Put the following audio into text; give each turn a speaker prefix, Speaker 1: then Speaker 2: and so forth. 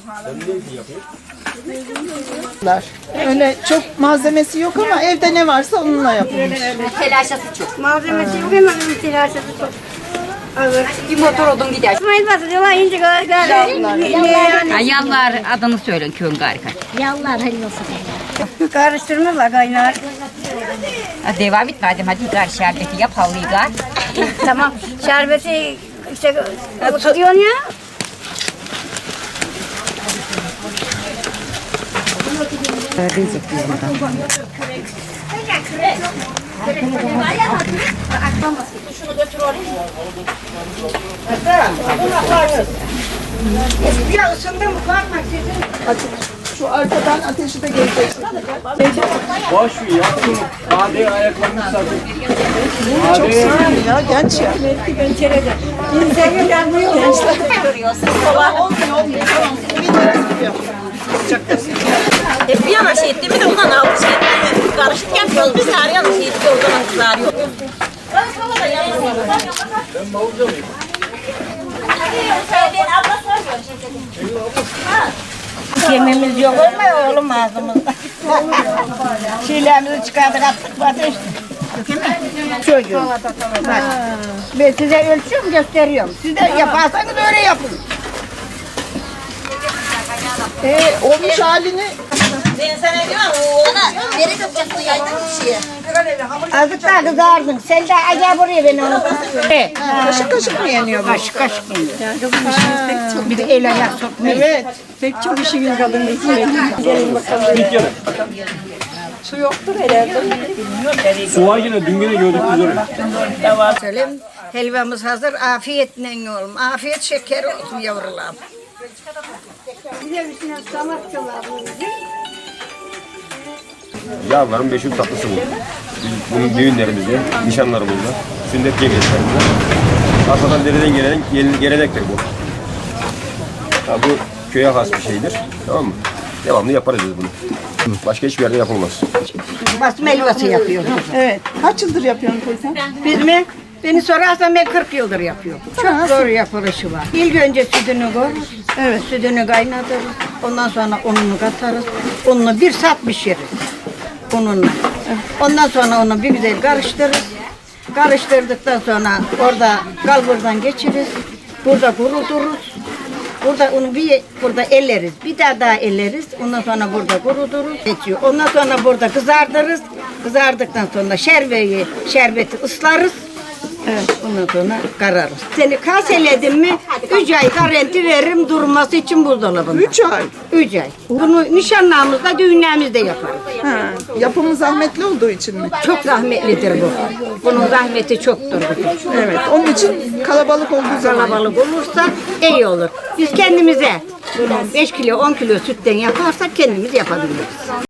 Speaker 1: Öyle çok malzemesi yok ama evde ne varsa onunla yapılmış.
Speaker 2: Telaşası çok.
Speaker 3: Malzemesi yok hemen telaşesi çok. Evet.
Speaker 2: Bir motor odun gider.
Speaker 3: İsmail Basri diyorlar ince
Speaker 2: Yallar adını söyleyin köyün harika.
Speaker 4: Yallar helvası.
Speaker 3: karıştırmalar kaynar.
Speaker 2: Devam etme hadi gar şerbeti yap havlıyı gar.
Speaker 3: Tamam. Şerbeti işte tutuyorsun ya.
Speaker 2: Diyecek biz buradan.
Speaker 3: Ya ısındı mı? Korkma sizin.
Speaker 1: Şu arkadan ateşi de gelecek.
Speaker 5: Boş ver yaptım. Hadi ayaklarını sardım.
Speaker 1: Çok sıkıntı ya genç ya.
Speaker 3: Kimse gelmiyor.
Speaker 6: Bir yana şey etti, bir de ondan aldı şey etti. Karışık yapıyoruz, biz her yana şey etti, o zaman kızarıyor. Yememiz yok mu oğlum ağzımızda? Şeylerimizi çıkardık attık ateş. Çocuğum. Bak, ben size ölçüyorum gösteriyorum. Siz de yaparsanız öyle yapın.
Speaker 1: Olmuş halini
Speaker 6: Ben sana diyorum, ona nereye dökeceksin yaydın bir şeye?
Speaker 3: Azıcık daha kızardın. Sen de acaba buraya beni onu.
Speaker 1: kaşık kaşık mı yeniyor bu?
Speaker 3: Kaşık kaşık yeniyor. Bir de el ayak sokmayın.
Speaker 1: Evet.
Speaker 3: Pek çok işiniz kalın bizim.
Speaker 5: Bir kere.
Speaker 1: Su yoktur herhalde.
Speaker 5: Su var yine dün gene gördük biz orayı.
Speaker 3: Söyleyeyim. Helvamız hazır. Afiyetle yiyelim. Afiyet şekeri olsun yavrularım. Bize üstüne samakçılar.
Speaker 7: Yavruların meşhur tatlısı bu. Biz bunun düğünlerimizde, nişanlarımızda, sünnet cemiyetlerimizde arkadan dereden gelen gelenektir bu. Ya bu köye has bir şeydir. Tamam mı? Devamlı yaparız biz bunu. Başka hiçbir yerde yapılmaz.
Speaker 3: Basma helvası yapıyoruz.
Speaker 1: Evet. Kaç yıldır yapıyorsun teyze?
Speaker 3: Biz mi? Beni sorarsan ben 40 yıldır yapıyorum. Çok zor yapılışı var. İlk önce sütünü koyarız. Evet. Sütünü kaynatırız. Ondan sonra ununu katarız. Ununu 1 saat pişiririz. Ununla. Ondan sonra onu bir güzel karıştırırız. Karıştırdıktan sonra orada kalburdan geçiririz. Burada kuruturuz. Burada onu burada elleriz. Bir daha elleriz. Ondan sonra burada kuruturuz. Geçiyor. Ondan sonra burada kızartırız. Kızardıktan sonra şerbeti ıslarız. Evet. Ondan sonra kararız. Seni kaseledim mi 3 ay garanti veririm durması için buzdolabında.
Speaker 1: 3 ay.
Speaker 3: 3 ay. Bunu nişanlarımızda, düğünlerimizde yaparız.
Speaker 1: Ha, yapımı zahmetli olduğu için mi?
Speaker 3: Çok zahmetlidir bu. Bunun zahmeti çoktur.
Speaker 1: Evet. Onun için kalabalık olduğu zaman.
Speaker 3: Kalabalık olursa iyi olur. Biz kendimize 5 kilo 10 kilo sütten yaparsak kendimiz yapabiliriz.